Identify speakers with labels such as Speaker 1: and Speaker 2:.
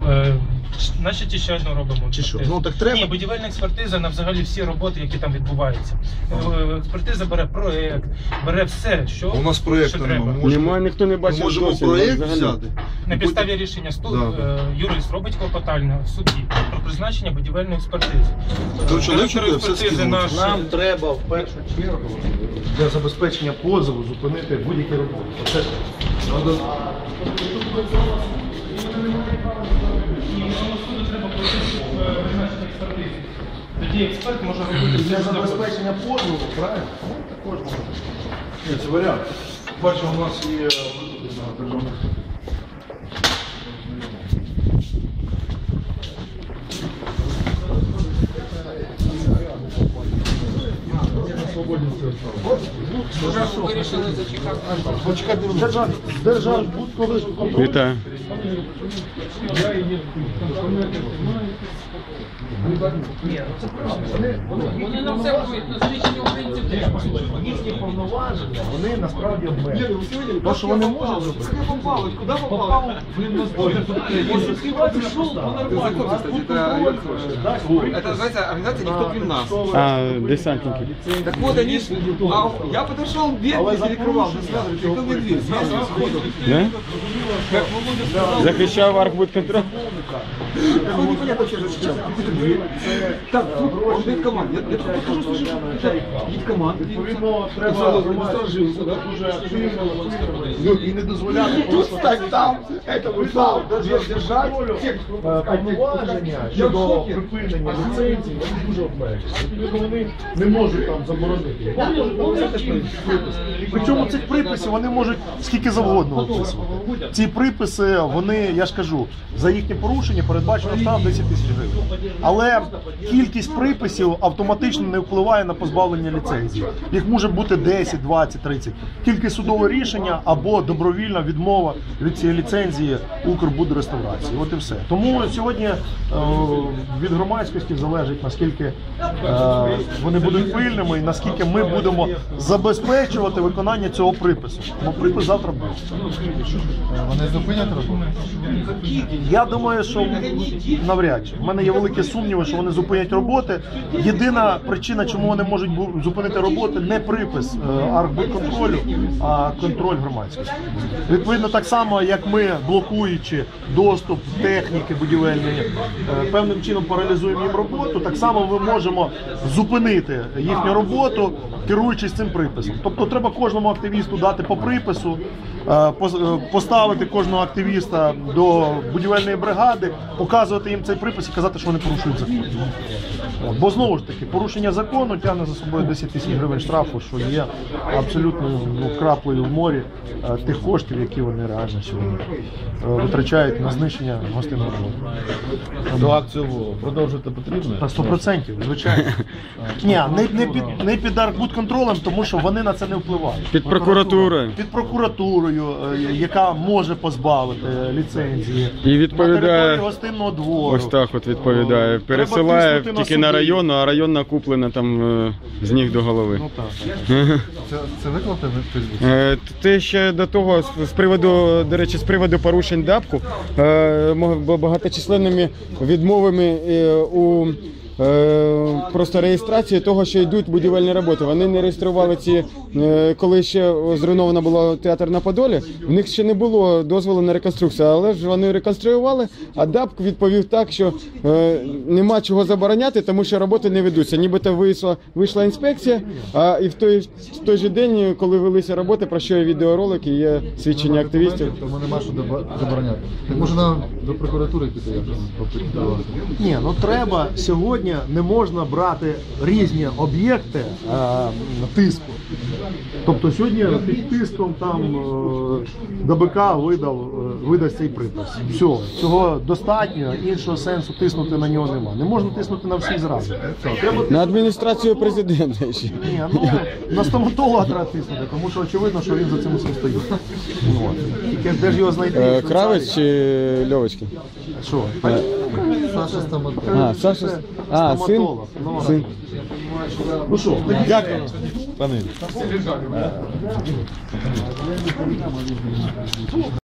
Speaker 1: Значить, ще робимо.
Speaker 2: Чи що? Ну так треба.
Speaker 1: Ні, будівельна експертиза на взагалі всі роботи, які там відбуваються. Експертиза бере проєкт, бере все, що
Speaker 2: у нас проєкту
Speaker 1: треба.
Speaker 3: Немає, ніхто не бачив.
Speaker 2: Ми можемо проєкт взяти.
Speaker 1: На підставі рішення юрист робить клопотання в суді про призначення будівельної експертизи.
Speaker 2: Нам треба в першу чергу для забезпечення позову зупинити будь-які роботи. Оце
Speaker 1: тоді експерт може робити
Speaker 2: для забезпечення позову, правильно? Також можна. Ні, це варіант. Бачу, у нас є державних.
Speaker 1: Вирішили зачекати.
Speaker 2: Почекайте, Держбудконтроль.
Speaker 3: Вітаю.
Speaker 1: Вони на все будуть, на знищення українців.
Speaker 2: Їхні повноваження, вони насправді обмежені. То, що вони можуть зробити.
Speaker 4: Куда попал? Блин, это называется организация «Никто крім нас».
Speaker 3: Десантники.
Speaker 4: Так вот они, я подошел, дверь не перекрывал, сразу никто мне дверь.
Speaker 3: Да?
Speaker 4: Как Володя сказал.
Speaker 3: Захищав архбудконтроль.
Speaker 4: Ну, непонятно, что защищал. Какую-то дверь. Так, он дает команду. Я тут покажу, что есть команда.
Speaker 2: Відповідно, треба насторожитися, дуже активно і не дозволяти просто там, держати повноваження щодо припинення ліцензії, вони дуже обмежені. Відповідно, вони не можуть там заборонити. Вони можуть написати приписи. Причому цих приписів вони можуть скільки завгодно виписувати. Ці приписи, вони, я ж кажу, за їхнє порушення передбачено штраф 10 тисяч гривень. Але кількість приписів автоматично не впливає на позбавлення ліцензії. Їх може бути 10, 20, 30. Тільки судове рішення або добровільна відмова від цієї ліцензії Укрбудреставрації. От і все. Тому сьогодні від громадськості залежить, наскільки вони будуть пильними і наскільки ми будемо забезпечувати виконання цього припису. Бо припис завтра буде.
Speaker 5: Вони зупинять роботу?
Speaker 2: Я думаю, що навряд чи. У мене є великі сумніви, що вони зупинять роботи. Єдина причина, чому вони можуть зупинити роботи, не припис архбудконтролю, а контроль громадськості. Відповідно, так само, як ми, блокуючи доступ техніки будівельної, певним чином паралізуємо їм роботу, так само ми можемо зупинити їхню роботу, керуючись цим приписом. Тобто треба кожному активісту дати по припису, поставити кожного активіста до будівельної бригади, показувати їм цей припис і казати, що вони порушують закон. Бо знову ж таки, порушення закону тягне за собою 10 тисяч гривень штрафу, що є абсолютно краплею в морі тих коштів, які вони реально сьогодні витрачають на знищення гостинного ринку.
Speaker 5: До акцію продовжити потрібно?
Speaker 2: 100%, звичайно. Ні, не під архбудконтролем, тому що вони на це не впливають.
Speaker 3: Під прокуратурою.
Speaker 2: Під прокуратурою, яка може позбавити ліцензії.
Speaker 3: І відповідає,
Speaker 2: на території гостинного двору.
Speaker 3: Ось так от відповідає. Пересилає тільки на район, а район накуплена там з ніг до голови.
Speaker 2: Ну так.
Speaker 5: Це виклати в Фейсбуці?
Speaker 3: Те ще до того, з приводу, до речі, з приводу порушень ДАПку, багаточисленними відмовами у просто реєстрації того, що йдуть будівельні роботи. Вони не реєстрували ці, коли ще зруйновано було театр на Подолі, в них ще не було дозволу на реконструкцію, але ж вони реконструювали, а ДАП відповів так, що нема чого забороняти, тому що роботи не ведуться. Нібито вийшла інспекція, а і в той же день, коли велися роботи, про що є відеоролики, є свідчення активістів.
Speaker 5: Тому нема що забороняти. Може нам до прокуратури піти якось попитувати?
Speaker 2: Ні, ну треба сьогодні. Не можна брати різні об'єкти тиску. Тобто сьогодні під тиском там ДБК видасть цей припис. Все, цього достатньо, іншого сенсу тиснути на нього нема. Не можна тиснути на всіх зразу.
Speaker 3: На адміністрацію президента ще.
Speaker 2: Ні, ну, на стоматолога треба тиснути, тому що очевидно, що він за цим усім стоїть. Тільки де ж його знайти?
Speaker 3: Кравець чи Льовочкін?
Speaker 2: Що?
Speaker 5: Саша стоматолог.
Speaker 3: А, Саша. А, син? Син.
Speaker 2: Ну що, дякую.
Speaker 5: Пане.